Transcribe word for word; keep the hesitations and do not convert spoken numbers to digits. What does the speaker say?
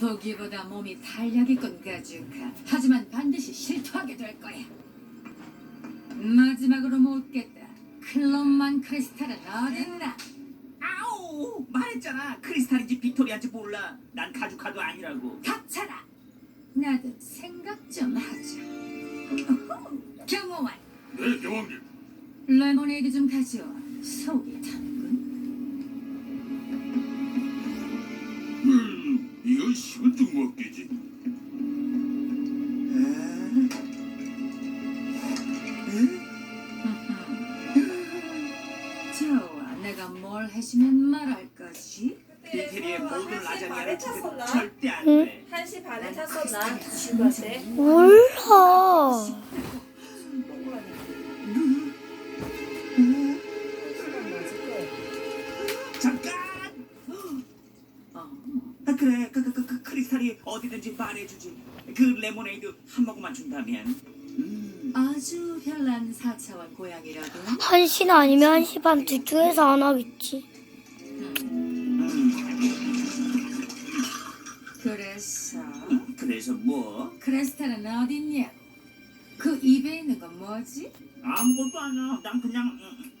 보기보다 몸이 탄력있군 가주카. 하지만 반드시 실토하게 될 거야. 마지막으로 묻겠다. 클럽만 크리스탈은 어딨나? 아우 말했잖아. 크리스탈인지 빅토리아인지 몰라. 난 가죽카도 아니라고. 닥쳐라. 나도 생각 좀 하자. 경호원, 네, 여왕님. 레모네이드 좀 가져와. 속이 타는군. 음, 이건 식은 죽 먹기지. 좋아, 내가 뭘 해주면 말할 거지? 인테리에 모든 한시 반에 라자냐를 주면 찼었나? 절대 안 돼. 한 시 반에 탔었나? 지구한테? 몰라. 잠깐. 어, 아, 그래. 그, 그, 그, 그 크리스탈이 어디든지 말해주지. 그 레모네이드 한 모금만 준다면. 음. 아주 별난 사차원 고양이라고. 한 시나 아니면 한 시 반 둘 중에서 안 하겠지. 그래서 그래서 뭐? 크리스탈은 어딨냐? 그 입에 있는 건 뭐지? 아무것도 아니야. 난 그냥 음,